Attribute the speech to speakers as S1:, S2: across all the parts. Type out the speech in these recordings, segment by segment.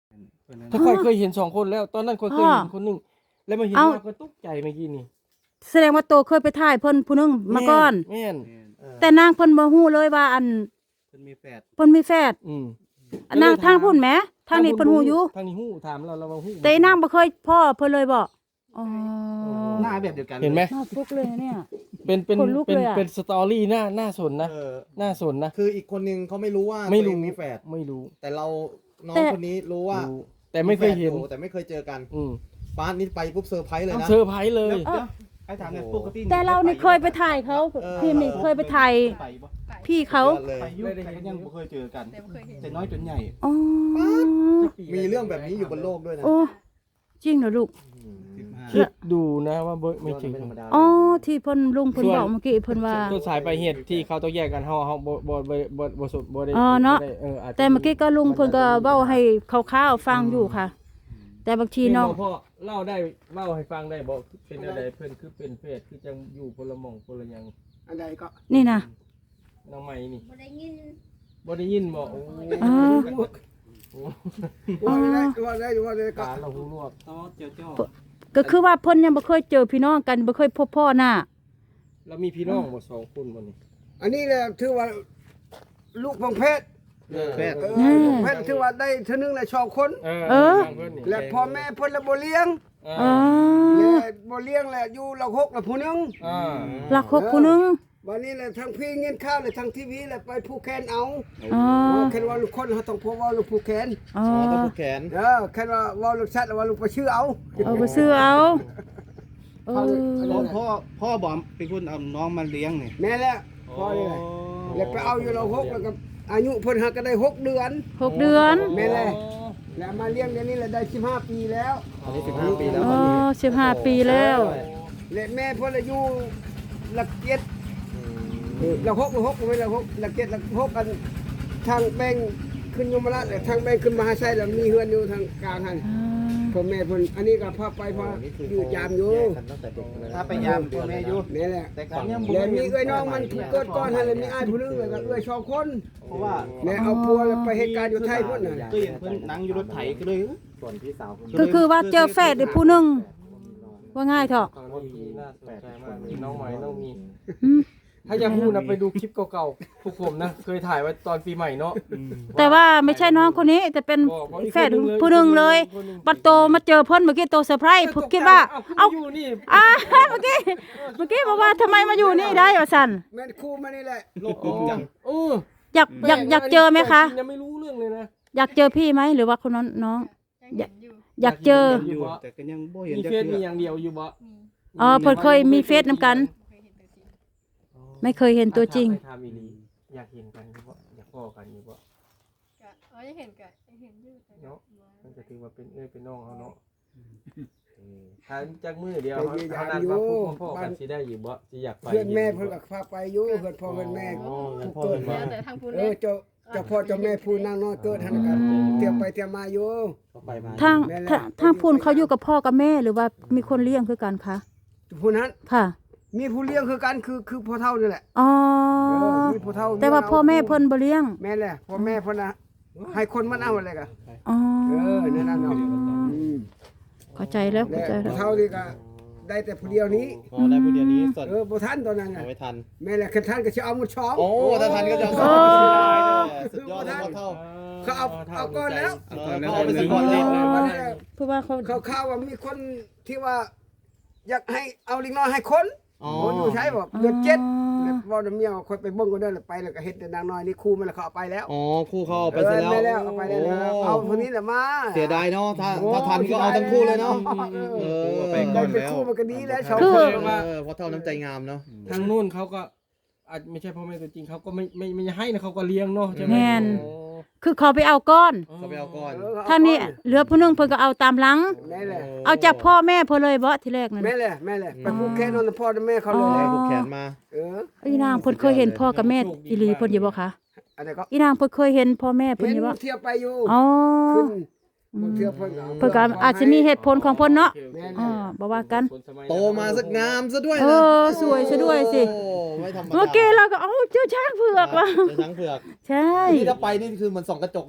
S1: ถ้าค่อยเคยเห็น2คนแล้วตอนนั้นค่อยเคยเห็นคนนึงแล้วมาเห็นมาก็ตกใจเมื่อกี้นี่
S2: แสดงว่าโตเคยไปถ่ายเพิ่นผู้นึงมาก่อน
S1: แม่น
S2: แต่นางเพิ่นบ่ฮู้เลยว่าอัน
S3: เพิ่นมีแฝด
S2: เพิ่นมีแฟนนางทางพุ่นแหมทางนี้เพิ่นฮู้อยู่
S1: ทางนี้ฮู้ถามเราว่าฮู้
S2: แต่นางบ่เคยพ่อเพิ่นเลยบ่อ๋อ
S3: หน้าแบบเดียวกัน
S1: เห็นไหม
S2: น่าฟุกเลยเนี่ย
S1: เป็น
S2: ขนลุกเลยอะ
S1: เป็นสตอรี่น่าสนนะน่าสนนะ
S3: คืออีกคนนึงเขาไม่รู้ว่า
S1: ไม่รู้
S3: ตัวเองมีแฝด
S1: ไม่รู้
S3: แต่เราน้องคนนี้รู้ว่า
S1: รู้แต่ไม่เคยเห็น
S3: แฝดอยู่แต่ไม่เคยเจอกัน
S1: อืม
S3: ป้านี่ไปปุ๊บเซอร์ไพรส์เลยนะ
S1: เซอร์ไพรส์เลย
S4: ไอ้ถามเนี่ยปกติ
S2: แต่เรานี่เคยไปถ่ายเขาพี่นี่เคยไปถ่าย
S4: ไปบ่
S2: พี่เขา
S3: เลย
S4: ไปยุ่งแต่ก็ยังบ่เคยเจอกันแต่น้อยจนใหญ่
S2: อ๋อ
S3: มีเรื่องแบบนี้อยู่บนโลกด้วยนะ
S2: โอ้จริงเหรอลูก
S1: คิดดูนะว่าไม่จริง
S3: ธรรมดา
S2: อ๋อที่เพิ่นลุงเพิ่นบอกเมื่อกี้เพิ่นว่า
S1: ต้นสายไปลายเหตุที่เขาต้องแยกกันเฮาบ่สุดบ่ได้
S2: อ๋อเนาะ
S1: บ่ได้อาจจะ
S2: แต่เมื่อกี้ก็ลุงเพิ่นก็เว้าให้คร่าวๆฟังอยู่ค่ะ แต่บางทีน้อง
S1: พ่อเล่าได้เล่าให้ฟังได้บ่เป็นอะไรเพิ่นคือเป็นเพศคือจังอยู่คนละหม่องคนละหยัง
S5: อันใดก็
S2: นี่นะ
S1: น้องใหม่นี่
S6: บ่ได้ยิน
S1: บ่ได้ยินบ่โอ้
S2: อ๋อ
S5: ว่าได้ก็
S1: ตาเราหูหนวก
S4: ต่อเจ้า
S2: ก็คือว่าเพิ่นยังบ่เคยเจอพี่น้องกันบ่เคยพบพ่อหน้า
S1: แล้วมีพี่น้องบ่2คนบ่นี่
S5: อันนี้แหละถือว่าลูกของเพชร
S3: แฝด
S5: ลูกเพชรถือว่าได้เท่านึงแหละชอบคน และพ่อแม่เพิ่นละบ่เลี้ยง
S2: อ๋อ
S5: และบ่เลี้ยงแหละอยู่ละหกละผู้นึง
S2: รักคบผู้หนึง
S5: วันนี้แหละทั้งพี่เงินข้าวและทั้งทีวีแหละไปผู้แคนเอา
S2: อ๋อ
S5: แค่ว่าลูกคนเขาต้องพบว่าลูกผู้แคน
S2: อ๋อ
S3: ต้องผูกแขน
S5: แค่ว่าลูกชัดว่าลูกไปชื่อเอา
S2: เอาไปซื้อเอาเออ
S4: พ่อบอกเป็นคนเอาน้องมาเลี้ยงนี่
S5: แม่แหละพอนี่แหละแล้วไปเอาอยู่ละหกแล้วก็อายุเพิ่นหักก็ได้6เดือน
S2: 6 เดือน
S5: แม่แหละแล้วมาเลี้ยงเดี๋ยวนี้แหละได้15ปีแล้ว
S3: อันนี้15 ปีแล้ว
S2: อ๋อ15 ปีแล้ว
S5: และแม่เพิ่นอายุหลักเจ็ดหลักหกไม่หลักหกหลักเจ็ดหลักหกกันทางแบงขึ้นยมราชและทางแบงขึ้นมหาชัยแล้วมีเฮือนอยู่ทางกลางหันพ่อแม่เพิ่นอันนี้ก็พาไปพาอยู่ยามอยู่
S3: ตั้งแต่เด็กเลย
S4: ถ้าไปยามพ่อแม่อยู่
S5: นี่แหละ
S4: แต่ก่อนยัง
S5: แล้วมีเอ้ยน้องมันเกิดก่อนหันแล้วมีอ้ายผู้นึงแล้วก็เอ้ย2คน
S4: เพราะว่า
S5: แม่เอาปัวแล้วไปเหตุการณ์อยู่ไทยพุ่นน่ะ
S4: ก็เห็นเพิ่นนั่งอยู่รถไถก็เลย
S3: ส่วนพี่สาว
S2: ก็คือว่าเจอแฝดอีกผู้หนึงว่าง่ายเถอะ
S1: ฟังว่าดีน่าสนใจมากเลยน้องใหม่น้องมี
S2: อืม
S1: ถ้าอยากพูดนะไปดูคลิปเก่าๆพวกผมนะเคยถ่ายไว้ตอนปีใหม่เนาะ
S2: แต่ว่าไม่ใช่น้องคนนี้แต่เป็นแฝดผู้หนึงเลยบัดโตมาเจอเพิ่นเมื่อกี้โตเซอร์ไพรส์คิดว่า
S1: เอา
S2: เอ้า
S1: อยู่นี่
S2: เมื่อกี้บอกว่าทำไมมาอยู่นี่ได้ว่าซั่น
S5: แม่นครูมานี่แหละ
S4: โลกกลมจัง
S1: โอ้
S2: อยากเจอไหมคะ
S1: ยังไม่รู้เรื่องเลยนะ
S2: อยากเจอพี่ไหมหรือว่าคนนั้นน้อง
S6: ยังเห็นอยู่
S2: อยากเจอ
S4: อยู่แต่ก็ยังบ่เห็น
S1: มี
S4: จัก
S1: เฟซมี
S4: เทื่
S1: อย่างเดียวอยู่บ่
S2: อ๋อเพิ่นเคยมีเฟซนำกัน
S6: เคยเห็นตัวจริง
S2: ไม่เคยเห็นตัวจริง
S1: ทำอีหลีอยากเห็นกันอยู่บ่อยากพ้อกันอยู่บ่
S6: ก็ยังเห็นก็ยังเห็นอยู่แต่ก็
S1: เนาะมันก็ถือว่าเป็นเป็นน้องเขาเนาะถ้าจากมือเดียวเขานัดมาพบพ่อกันสิได้อยู่บ่สิอยากไป
S5: เพื่อนแม่เพิ่นก็พาไปอยู่เพื่อนพ่อเพื่อนแม่ผู้เกิด
S6: แล้
S5: มาว
S6: แต่ทางผู้
S5: เอ
S6: เล่
S5: อน เจ้าพ่อเจ้าแม่ผู้นางน้อยเกิดหันกันเที่ยวไปเที่ยวมาอยู่
S3: ก็ไปมา
S2: ทางพูนเขาอยู่กับพ่อกับแม่หรือว่ามีคนเลี้ยงคือกันคะ
S5: ผู้นั้น
S2: ค่ะ
S5: มีผู้เลี้ยงคือกันคือพ่อเฒ่านี่แหละ
S2: อ๋อ
S5: มีผู้เฒ่า
S2: แต่ว่าพ่อแม่เพิ่นบ่เลี้ยง
S5: แม่แหละพ่อแม่เพิ่นน่ะให้คนมันเอาอะไรกัน
S2: อ๋อ
S5: นั่นน่ะเนาะ
S2: เข้าใจแล้ว
S5: และ
S2: เข้าใจแล้ว
S5: ผู้เฒ่านี่ก็ได้แต่ผู้เดียวนี้
S3: อ๋อได้ผู้เดียวนี้ส่วน
S5: บ่ทันตอนนั้นน่ะ
S3: เอาไว้ทัน
S5: แม่แหละคันท่านก็สิเอาหมดช่อง
S3: โอ้ถ้าทันก็จะสุดยอดเลยพ่อเท่า
S5: เขาเอาก่อนแล้ว
S3: เขาเอาไปสิก่อนเลย
S2: เพราะว่าเขา
S5: เขาข่าวว่ามีคนที่ว่า อยากให้เอาลิงน้อยให้คน
S3: อ๋อ
S5: คนอยู่ใช้บอกเดือนเจ็ดแล้วว่าเมียคอยไปเบิ่งก็ได้แล้วไปแล้วก็เฮ็ดแต่นางน้อยนี่คู่มันแล้วเขาเอาไปแล้ว
S3: อ๋อคู่เขาเอาไปเสร็จแล้ว
S5: ไปแล้วเอาไปแล้วเอาคนนี้แหละมา
S3: เสียดายเนาะถ้าทันก็เอาทั้งคู่เลยเนาะเออ
S5: ได้เป็นคู่มันก็ดีแล้วชาว
S2: คือ
S3: เพราะเท่าน้ำใจงามเนาะ
S1: ทางนู้นเขาก็อาจไม่ใช่พ่อแม่ตัวจริงเขาก็ไม่ให้นะเขาก็เลี้ยงเนาะใช่ไหม
S2: แม่นคือเขาไปเอาก้อน
S3: เขาไปเอาก่อน
S2: ทางนี้เหลือผู้หนึงเพิ่นก็เอาตามหลัง
S5: แม่แหละ
S2: เอาจากพ่อแม่เพิ่นเลยบ่ทีแรกนั่น
S5: แม่แหละแม่แหละไปผูกแขนนอนพ่อและแม่เขาเลย
S3: ได้ผูกแขนมา
S2: อีนางเพิ่นเคยเห็นพ่อกับแม่อีหลีเพิ่นอยู่บ่คะ
S5: อะไรก็
S2: อีนางเพิ่นเคยเห็นพ่อแม่เพิ่น
S5: เห็น
S2: อยู่บ่
S5: เที่ยวไปอยู่
S2: อ๋อ
S5: ขึ้นเที่ยวเพิ่น
S2: เพิ่นก็อาจจะมีเหตุผลของเพิ่นเนาะ
S5: แม่
S2: อ๋อบ่ว่ากัน
S3: โตมาสักงามซะด้วย
S2: เอ
S3: นะ
S2: อสวยซะด้วยสิ
S3: โอ้ไม่ธรรมดา
S2: เมื่อกี้เราก็เอ้าเจ้าช้างเผือกว่ะ
S3: เจอช้างเผือก
S2: ใช่
S3: นี่ถ้าไปนี่คือเหมือนส่องกระจกเลยนะ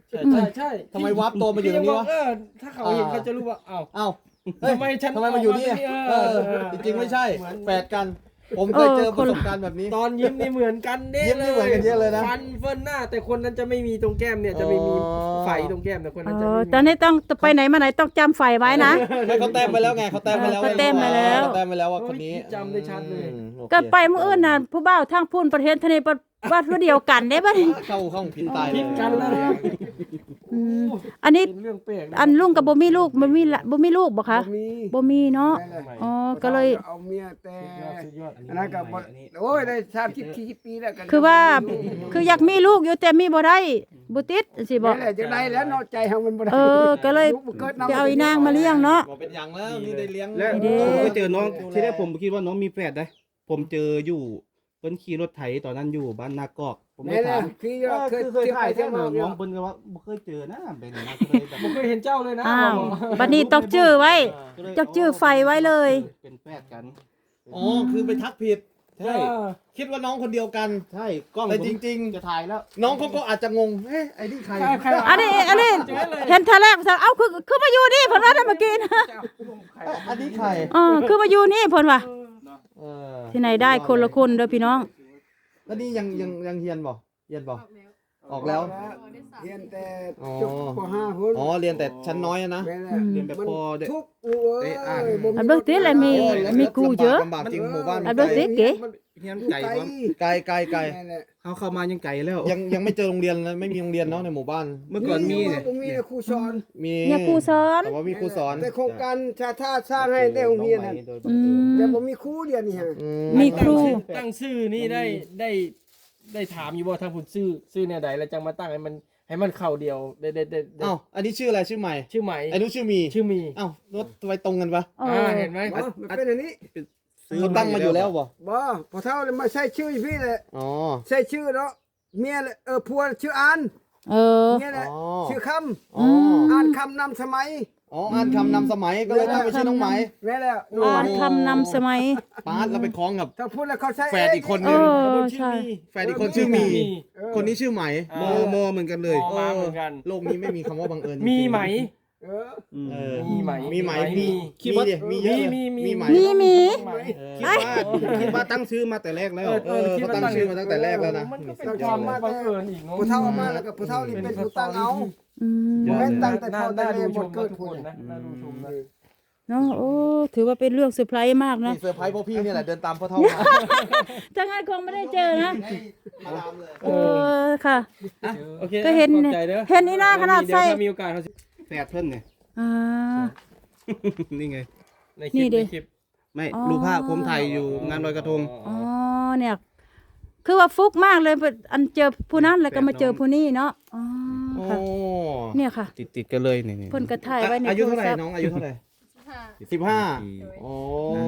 S1: ใช่
S3: ทำไมวับตัวมาอยู่ตรงนี้วะ
S1: ถ้าเขาเห็นเขาจะรู้ว่าอ้าว
S3: เอ้าเฮ้ย
S1: ทำไมฉัน
S3: ทำไมมาอยู่นี่
S1: เออ
S3: จริงๆไม่ใช่แฝดกัน ผมเคยเจอประสบการณ์แบบนี้
S1: ตอนยิ้มนี่เหมือนกันเด้
S3: ยิ้มนี่เหมือนกันเยอะเลยนะ
S1: ฟันเฟิร์นหน้า แต่คนนั้นจะไม่มีตรงแก้มเนี่ยจะไม่มีไฝตรงแก้มแต่คนนั้นจะไม่มี
S2: ตอนนี้ต้องไปไหนมาไหนต้องจำไฟไว้นะ
S3: ไม่เขาแต้มไปแล้วไงเขาแต้มไปแล้ว
S2: เขาแต้มไปแล้ว
S3: เขาแต้มไปแล้วว่าคนนี้
S1: จำได้ชัดเลย
S3: โอเค
S2: ก็ไปมื้ออื่นน่ะผู้บ่าวทางพูนประเทศทะเลวัดเดียวกันได้บ่นี่
S3: เข้าห้องพินตาย
S1: พิดกันแล้วนะ
S2: อืมอันนี้
S1: เป็นเรื่องแปลกนะ
S2: อันลุงกับบ่มีลูกบ่มีลูกบ่คะ
S5: มี
S2: บ่มีเนาะ
S5: นั่นแหละ
S2: อ๋อก็เลย
S5: เอาเมียแต่
S1: สุดยอด
S5: อันนั้นก็บ่โอ้ยได้30-40ปีแล้วกัน
S2: คือว่าคืออยากมีลูกอยู่แต่มีบ่ได้บ่ติดสิบ่
S5: นั่นแหละจะได้แล้วเนาะใจเฮามันบ่ได้
S2: ก็เลย
S5: ลูบ่กิดนำ
S2: ไปเอาอีนางมาเลี้ยงเนาะ
S3: บอกเป็นอย่างแล้วนี่ได้เลี้ยง
S4: แล้ว
S2: เด้
S4: ผมก็เจอน้องที่แรกผมคิดว่าน้องมีแฝดได้ผมเจออยู่เพิ่นขี่รถไถตอนนั้นอยู่บ้านนากอกผมไม่
S5: นั่นแห
S4: ถา
S5: ละ
S4: ม
S5: คือ
S4: เคยถ่าย
S5: เที่
S4: แค่
S5: ยว
S4: หนึ่ง
S5: มา
S4: น้องเพิ่นก็ว่าบ่เคยเจอนะเป็นนะก็เลยแบบ
S1: ผมเคยเห็นเจ้าเลยนะ
S2: อ้าวบัดนี้ต้องชื่อไว้ต้องชื่อไฟไว้เลย
S4: เป็นแฝดกัน
S3: อ๋อคือไปทักผิด
S4: ใช่
S3: คิดว่าน้องคนเดียวกัน
S4: ใช่กล้อง
S3: แต่
S4: ผม
S3: จริง
S4: จะถ่ายแล้ว
S3: ๆ น้องเขาก็อาจจะงงเฮ้ยไอ้นี่ใคร
S1: ใคร
S2: อันนี้เห็นท่าแรกเอ้าคือมาอยู่นี่เพิ่นว่าได้เมื่อกี้นะ
S3: อันนี้ใคร
S2: คือมาอยู่นี่เพิ่นว่า
S3: เออ
S2: ที่ไหนได้คนละคนเด้อพี่น้อง
S3: แล้วนี่ยังเฮียนบ่เฮียนบ่ ออกแล้ว
S5: เรียนแต่
S3: อ๋อ
S5: จบป .5 พุ่น
S3: อ๋อเรียนแต่ชั้นน้อยอะนะ
S5: แม่นแหละ
S4: เรียนแบบพอได้
S5: ทุกลูกเอ้ยบ่มี
S2: อันเบิ่งติแหละมีกูเยอะ
S3: ลำบากจริงหมู่บ้าน
S2: อันเบิ่งติเก๋
S4: เฮียนไก่ว่า
S3: ไกล
S5: นั่นแหละ
S4: เขาเข้ามายังไก่แล้ว
S3: ยังไม่เจอโรงเรียนเลยไม่มีโรงเรียนเนาะในหมู่บ้าน
S4: เมื่อก่อนมีเนี่ย
S5: บ่มีแต่ครูสอน
S3: มี
S2: เนี่ยครูสอน
S3: แต่ว่ามีครูสอน
S5: แต่โครงการชาติสร้างให้ได้โรงเรียนน่ะ
S2: อืม
S5: แต่บ่มีครูเรียนนี่ฮะ
S3: อื
S2: มีครู
S1: ตั้งชื่อนี่ได้ถามอยู่บ่ทางผุนชื่อแนวใดแล้วจังมาตั้งให้มันเข้าเดียวได้
S3: เอ้าอันนี้ชื่ออะไรชื่อใหม่
S1: ชื่อใหม่
S3: ไอ้นู้นชื่อมี
S1: ชื่อมี
S3: เอ้ารถไว้ตรงกันปะ
S1: เห็นไหม
S5: บ่มันเป็นอันนี้
S3: เขาตั้งมาอยู่แล้วบ่
S5: บ่พอเท่าเลยมาใช้ชื่ออยู่พี่แหละ
S3: อ๋อ
S5: ใช้ชื่อเนาะเมียเลยผัวชื่ออาน
S2: เออ
S5: เมียแหละ
S3: อ๋อ
S5: ชื่อค
S3: อ๋อ
S5: ำอ่านคำนำสมัย
S3: อ๋ออ่านคำนำสมัยก็เลยตั้งเป็นชื่อน้องไหม
S5: แม่แล้ว
S2: อ่านคำนำสมัย
S3: ปาร์ตเราไปคล้องกับ
S5: ถ้าพูดแล้วเขาใช้
S3: แฝดอีกคนนึ
S2: เอง อใช่
S3: แฝดอีกคนชื่อมี คนนี้ชื่อไหม
S4: โมเหมือนกันเลย
S1: มาเหมือนกัน
S3: โลกนี้ไม่มีคำว่าบังเอิญจริงๆ
S1: มีไหม
S5: เออ
S3: เออ
S1: มีไหม
S3: มีไหม
S1: มี
S3: คิดว่ามีเยอะ
S1: มี
S3: ไหม
S2: มี
S4: คิดว่าตั้งชื่อมาแต่แรกแล้ว
S3: เขาตั้งชื่อมาตั้งแต่แรกแล้วนะ
S1: มันก็เป็นความบังเอิญอีกเนาะ
S5: ผู้เฒ่าเอามาแล้วก็ผู้เฒ่านี่เป็นผู้ตั้งเอา
S2: อืม
S5: แม่นตั้งแต่พ่อแต่
S1: น่า
S5: แม่
S1: ดู
S5: ห
S1: ช
S5: ม
S1: ม
S5: ดเกิด
S1: ทุก
S5: ค
S1: คน
S5: น
S1: นะน่าดูชมนะ
S2: เนาะโอ้ถือว่าเป็นเรื่องเซอร์ไพรส์มากนะ
S3: นี่เซอร์ไพรส์พวกพี่เนี่ยแหละเดินตามพ่อเท่ามา
S2: จังงั้นคงไม่ได้เจอนะ
S3: มาดามเลย
S2: เออค่ะ
S1: โอเค
S2: ก็เห็น
S1: ขอบใจด้อ
S2: เห็นอีหน้าขนาดใส่
S1: เยวถ้ามีโอกาสเขาจะ
S4: แฝดเพิ่นเนี่ย
S2: อ่า
S4: นี่ไง
S1: ในคลิ
S2: นี่
S1: ป
S2: ดิ
S1: ในคลิป
S4: ไม่
S2: อ๋อ
S4: รูปภาพผมถ่ายอยู่งานลอยกระทง
S2: อ๋อเนี่ย คือว่าฟุกมากเลยอันเจอผู้นั้นแล้วก็มาเจอผู้นี้เนาะอ๋อ
S3: โอ้
S2: ค่ะเนี่ยค่ะ
S4: ติดกันเลยนี่
S2: เพิ่นก็ถ่ายไว้ใน
S3: อายุ
S2: โทร
S3: เท่าไหร่
S2: ศัพท์
S3: น้องอายุเท่าไหร่
S6: ค่ะ
S3: 15โอ้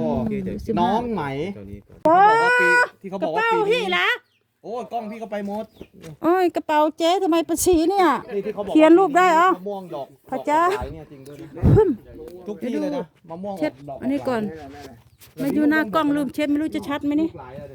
S2: 15
S3: น้องไหม
S2: โอ้
S3: ที่เขา
S2: ก
S3: บ
S2: ระ
S3: อกว่า
S2: เป๋า
S3: ปี
S2: พี่
S3: นี้
S2: ละ
S3: โอ้ยกล้องพี่ก็ไปหมด
S2: โอ้ยกระเป๋าเจ๊ทำไมประสีเนี่ย
S3: นี่ที่เขาบอก
S2: เขียนรูปได้เหรอ
S3: มะม่วงดอก
S2: พระเจ้า
S3: ดอกขายเนี่ยจริงด้วยนะทุกที่เลยนะมะม่วง
S2: เช็ด
S3: ดอก
S2: อันนี้ก่อนมาอยู่หน้ากล้องลืมเช็ดไม่รู้จะชัดไหมนี่
S3: หลายเลย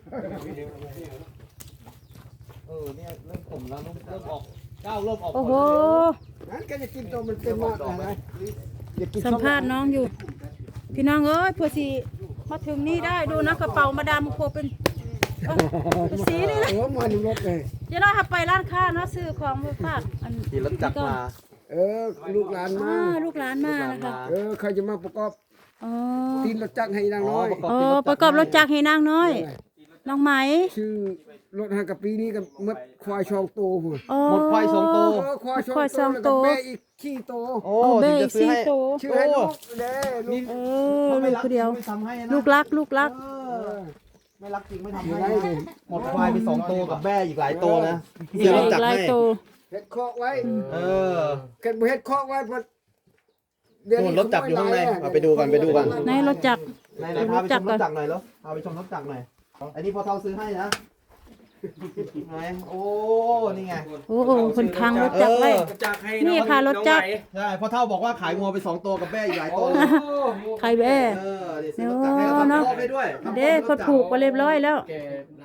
S3: เนี่ยเริ่มผมแล้วเริ่มออกก้าวเริ่มออก
S2: โอ้โห
S5: นั้นก็จะกินตัวมันเป็นมากอะไรอย่ากิน
S2: สัมภาษณ์น้องอยู่ พี่น้องเอ้ยเพื่อสิมาถึงนี่ได้ดูนะกระเป๋ามาดามโคเป็นเป็นสีนี่นะ
S5: โอ้มาหนึ่งรถเลย
S2: เดี๋ยวเราขับไปร้านค้านะซื้อของมาฝากอัน
S3: ขี่รถจักรมา
S5: ลูกหลานมา
S2: ลูกหลานมานะคะ
S5: เขาจะมาประกอบ
S2: อ๋อ
S5: ตีนรถจักรให้นางน้อย
S2: อ๋อประกอบรถจักรให้นางน้อย น้องไหม
S5: ชื่อรถหากับปีนี้ก็มัดควายชองโตหัว
S2: อ๋อ
S3: หมดควายสองตัว
S5: ควายชอง
S2: ควายสอง
S5: โต
S2: ตัว
S5: แล้วก็แม่อีกขี้โต
S3: โอ้
S2: โอ้เบ
S3: ถึง
S2: ย
S3: จะซื้อ
S2: ซี
S3: ให้
S2: โต
S5: ชื่อให้ลูกเด้ลูก
S2: เออลูกคนเดียว
S3: ไม่ทำให้นะ
S2: ลูกรักลูกรัก
S3: ไม่รักจริงไม่ทำ
S5: ชื่อ
S3: ให้
S5: ให้เลย
S3: หมดควายไป2ตัวกับแม่อีกหลายตัวนะเดี๋ยวรถจักร
S2: หลาย
S3: ให้
S2: โต
S5: เฮ็ดคอกไว้
S3: เออ
S5: เกิดบ่เฮ็ดคอกไว้พอ
S3: นู่นรถจักรอยู่ข้างในเอาไปดูกันไปดูกัน
S2: ในรถจักร
S3: ไหนๆพาไปชมรถจักรหน่อยแล้วพาไปชมรถจักรหน่อยอันนี้พอเท่าซื้อให้นะไหนโอ้นี่ไง
S2: โอ้โหคนค้างรถจักรไว้
S1: จักรให้
S2: นี่ค่ะรถจักร
S3: ใช่พอเท่าบอกว่าขายงัวไป2ตัวกับแม่อีกหลายตัวเลย
S2: ใครแบ่
S3: เดี๋ยวซื้อรถจักรให้เราทำคอกให้ด้วย
S2: เด้คนผูกไปเรียบร้อยแล้ว
S1: แก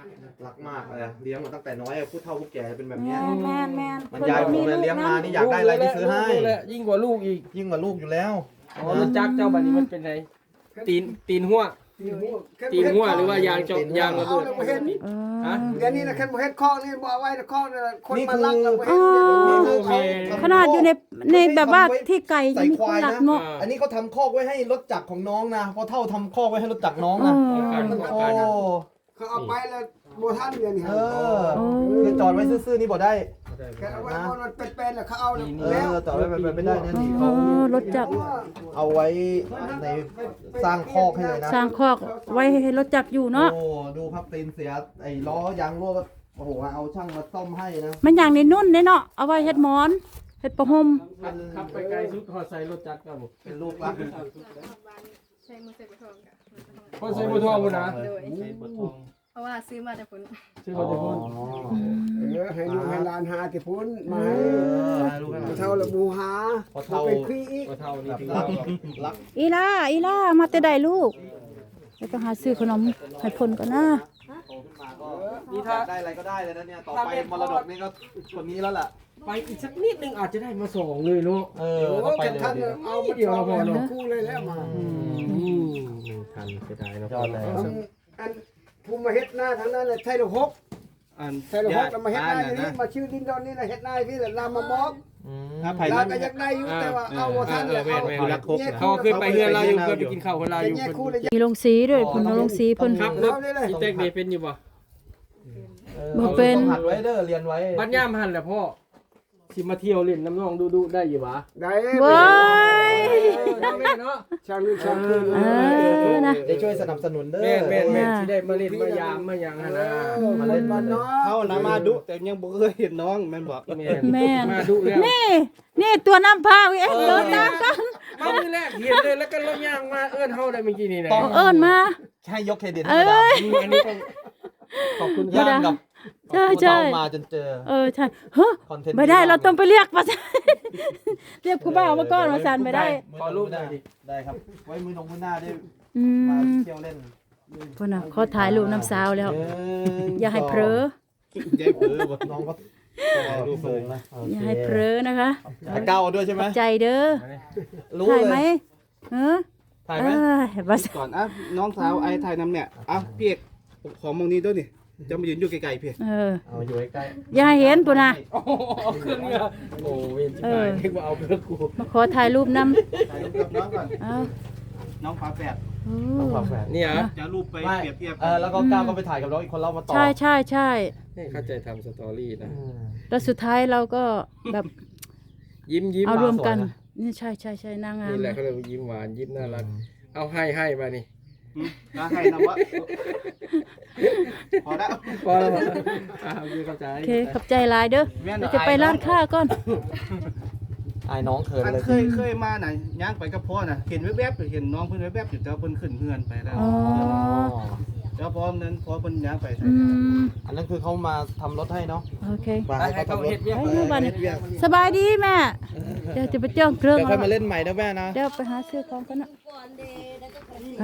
S3: รักมากเลยเลี้ยงมาตั้งแต่น้อยผู้เฒ่าผู้แก่เป็นแบบ
S2: แม
S3: เนี้ย
S2: นแมนแมน
S3: มันยายผมเลยเลี้ยงมานี่อยากได้อะไรนี่ซื้อให้
S1: ลูกแหละยิ่งกว่าลูกอีก
S3: ยิ่งกว่าลูกอยู่แล้ว
S1: อ๋อรถจักรเจ้าบัดนี้มันเป็นไงตีนหัวตีนหัวหรือว่ายางจอยางระเบิด
S2: เอ
S1: ฮะ
S2: อ
S5: เดี๋ยวนี้นะแค่บ่เฮ็ดคอกนี่บ่เอาไว้ในคอกนี่คนมาลักแล้วบ่
S2: อ๋
S5: เฮ็ด
S2: อ
S3: นี่คือเขาทำ
S2: ขนาดอยู่ในแบบว่าที่ไก่ยังมีคนหลักเนาะ
S3: อันนี้เขาทำคอกไว้ให้รถจักรของน้องนะพอเท่าทำคอกไว้ให้รถจักรน้อง
S2: เอ
S3: นะ
S2: อ
S3: โอ้
S5: เขาเอาไปแล้วบ่ทันเดือนนี่
S3: เออคือจอดไว้ซื่อๆนี่บ่ได้
S5: แค่เอาไว้พอมันเป็นๆแล้วเขาเอาแล้ว
S3: เออจอดไว้แบบไม่ได้นะนี่
S2: เอ
S3: เขา
S2: อรถจักร
S3: เอาไว้ในสร้างคอกให้เลยนะ
S2: สร้างคอกไว้ให้รถจักรอยู่เนาะ
S3: โอ้ดูครับตีนเสียไอ้ล้อยางรั่วก็โอ้โหเอาช่างมาซ่อมให้นะ
S2: มันอย่างในนุ่นเนาะเอาไว้เฮ็ดหมอนเฮ็ดประหม
S1: ขับไปไกลสุดหอดใส่รถจักรครับผม
S3: เป็นลูกรัก
S6: ใช้มือใส่กระทงกัน
S1: คนใส่บัวทองพุ่นนะ
S6: โดยเพราะว่าซื้อมาจากพุ่น
S1: ชื่อบัวทอง
S5: ให้ลูกให้หลานหาที่พุ่นมา
S3: เอ
S5: ให้
S3: อให้ลูกให้หลาน
S5: เท่าละบูหา
S3: พอเท่า
S5: เป็นพี่อีก
S1: บัวเท่านี่
S3: แบบ
S1: ถือ
S3: รั
S1: ว่าก
S3: รัก
S2: อีล่ามาแต่ใดลูกเดี๋ยวไปหาซื้อขนมให้เพิ่นก่อนนะ
S3: โตขึ้นมาก็นี่ถ้าได้อะไรก็ได้เลยนะเนี่ยต่อไปมรดกนี่ก็คนนี้แล้วล่ะ
S1: ไปอีกสักนิดนึงอาจจะได้มาส่งเลยเนาะ
S3: เอ
S5: โอ้
S3: อก็ไป
S5: กัน
S3: เลย
S5: ทัน
S3: เดียว
S5: เอามาเดียวเราพอเนาะคู่เลยแล้วมา
S1: ทันเสียดายเนาะ
S3: ยอดเลย
S5: อันภูมิมาเฮ็ดหน้าทางนั้นเลยไทยละหก
S4: อัน
S5: ไทยละหกแล้วมาเฮ็ดหน้าอยู่นี่มาชื่อดินดอนนี่แหละเฮ็ดหน้าพี่แหละลามาบอก
S4: ถ้าไผ่
S5: ลา
S4: นั้น
S5: ก็อยากได้อยู่แต่ว่าเอาบ่ทันแล้วเอา
S4: อยู่รักครบ
S1: เขาขึ้นไปเฮือนเราอยู่เพื่อไปกินข้าวคนเราอยู่
S5: แยก
S1: เพิ่น
S5: คู่เลย
S2: มีลงสีด้วยเพิ่นเอาลงสีเพิ่น
S1: ครับรถสีแตกนี่เป็นอยู่บ่
S2: บ่เป็น
S3: ต้องหัดไว้เด้อเรียนไว้
S1: บัดย่ามหันแหละพ่อสิมาเที่ยวเล่นน้ำน้องดูได้อยู่บ่
S5: ได้
S2: เว้ย
S1: เนาะ
S5: ช่างนี่ช่างคือ
S2: เออนะ
S3: ได้ช่วยสนับสนุนเด้อ
S1: แม่สิได้มาเล่นมายามมาหยังหั่นนะ
S5: มาเล่นบ้านเนาะ
S4: เขานะมาดุแต่ยังบ่เคยเห็นน้องแม่นบอก
S2: แม่น
S1: มาดูแล้ว
S2: นี่ตัวน้ำพาเอ้ยเดินตามกัน
S1: มามื้อแรกเห็นเลยแล้วก็รถย่างมาเอิ้นเฮาได้เมื่อกี้นี่นะ
S2: เอิ้นมา
S3: ให้ยกเครดิตให้มาดาม
S1: อันนี้ต้องขอบคุณค
S3: ย่า
S1: รับ
S3: งกับ
S2: ใช่
S3: เรามาจนเจอ
S2: ใช่เฮ้อ
S3: คอนเทนต์
S2: ไม่ได้เราต้องไปเรียกมาเรียกผู้บ่าวมาก่อนมาสั่นไม่ได้
S1: ขอรูปหน่อยดิ
S3: ได้ครับ ไว้มือน้องมือหน้าได้
S2: อื
S3: มาม เที่ยวเล่น
S2: พ่นน่ะขอถ่ายรูปน้ำสาวแล้ว อย่าให้เผลอ
S4: ยายเผือบ่
S3: น้องก็รูปเลยนะ
S2: อย่าให้เผลอนะคะ
S3: ถ่ายเก้าด้วยใช่ไหม
S2: ใจเด้อ
S3: รู้
S2: ถ่าย
S3: เล
S2: ไหม
S3: ย
S2: เออ
S3: ถ่ายไหม
S2: ว่า
S4: ก่อนอ่ะน้องสาวไอ้ถ่ายนำเนี่ยอ่ะพี่เอกขอมองนี้ด้วยนี่จะมายืนอยู่ไกลๆพี่
S3: เอาอยู่ใกล้
S2: อย่าให้เห็นปุ่นน่ะ
S1: โอ้โหเอาเครื่องเนี่ยโอ้เวียนชิบหายนึกว่าเอาเครื่องกู
S2: มาขอถ่ายรูปน้
S3: ถ่ายรูปกับน้องก่อน
S2: ำเอา
S4: น้องฝาแฝด
S2: โอ้
S3: น้องฝาแฝด
S1: เนี่ย
S4: จะรูปไป
S3: ไม่
S4: เปรียบเทียบ
S3: แล้วก็ก้าวก็ไปถ่ายกับน้องอีกคนเรามาต่อ
S2: ใช่ใช่ใช่
S1: นี่เข้าใจทำสตอรี่นะ
S2: แล้วสุดท้ายเราก็แบบ
S1: ยิ้ม
S2: เอารวมกันนี่ใช่ใช่ใช่นางงาม
S1: นี่แหละเขาเรียกว่ายิ้มหวานยิ้มน่ารัก เอาให้มานี่
S4: แล้วให้นำว่าพอแล้ว
S1: พอแล้วมั้งเข้าใจ
S2: โอเคขอบใจหลายเด้อเดี๋ยวจะไปร้านค้าก่อน
S3: ไอ้น้องเขิน
S4: อัน
S3: เลย
S4: เคยมาน่ะย่างไปกับพ่อน่ะเห็นแวบๆเห็นน้องเพิ่นแวบๆอยู่แต่ว่าเพิ่นขึ้นเฮือนไปแล้ว
S2: อ๋อ
S4: แล้วพร้อมนั้นพอเพิ่นย่างไปใส่
S2: อืม
S3: อันนั้นคือเขามาทำรถให้เนาะ
S2: โอเค
S3: มาให้เขาทำรถ
S2: ไปดูบ้านสบายดีแม่ เดี๋ยวจะไปจ้องเครื่อง
S3: เดี๋ยวค่อยมา
S2: เอา
S3: เล่นใหม่นะแม่นะ
S2: เดี๋ยวไปหาซื้อของกันนะไป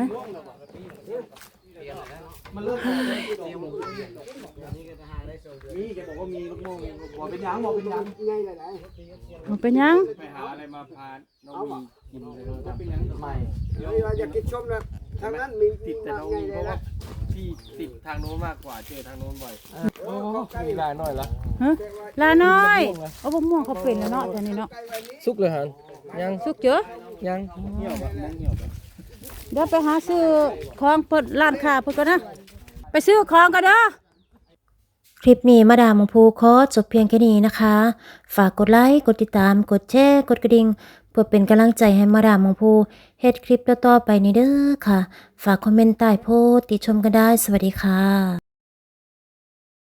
S3: มันเริ่มนี่แกบอกว่ามีลูกโม่บอกเป็นยังบอกเป็นยัง
S5: ใหญ่หลาย
S2: เอาไปยัง
S1: ไปหาอะไรมาพาน้องมีกินเลยถ้าเป็นยัง
S3: ใหม่
S5: ๆเดี๋ยวเราอยากกินชมนะทางนั้นมี
S1: ติดแต่น้อง
S5: ใหญ่
S1: มี
S5: เล
S1: เพ
S5: ย
S1: ราะว่า
S5: นะ
S1: พี่ติดทางโน้นมากกว่าเจอทางโน้นบ่อยโอ้มีลายน้อยละ
S2: ฮะลาน้อยเอาบะม่วงเขาเป็นแล้วเนาะแต่นี่เนาะ
S1: สุกเลยฮันยัง
S2: สุกเจอ
S1: ยัง
S2: เดี๋ยวไปหาซื้อของเปิดร้านค้าเพิ่นก่อนนะ ไปซื้อของกันเด้อ
S7: คลิปนี้มาดามของภูขอจบเพียงแค่นี้นะคะ ฝากกดไลค์ กดติดตาม กดแชร์ กดกระดิ่ง เพื่อเป็นกำลังใจให้มาดามของภูเฮ็ดคลิปต่อๆไปนี้เด้อค่ะ ฝากคอมเมนต์ใต้โพสต์ติชมกันได้ สวัสดีค่ะ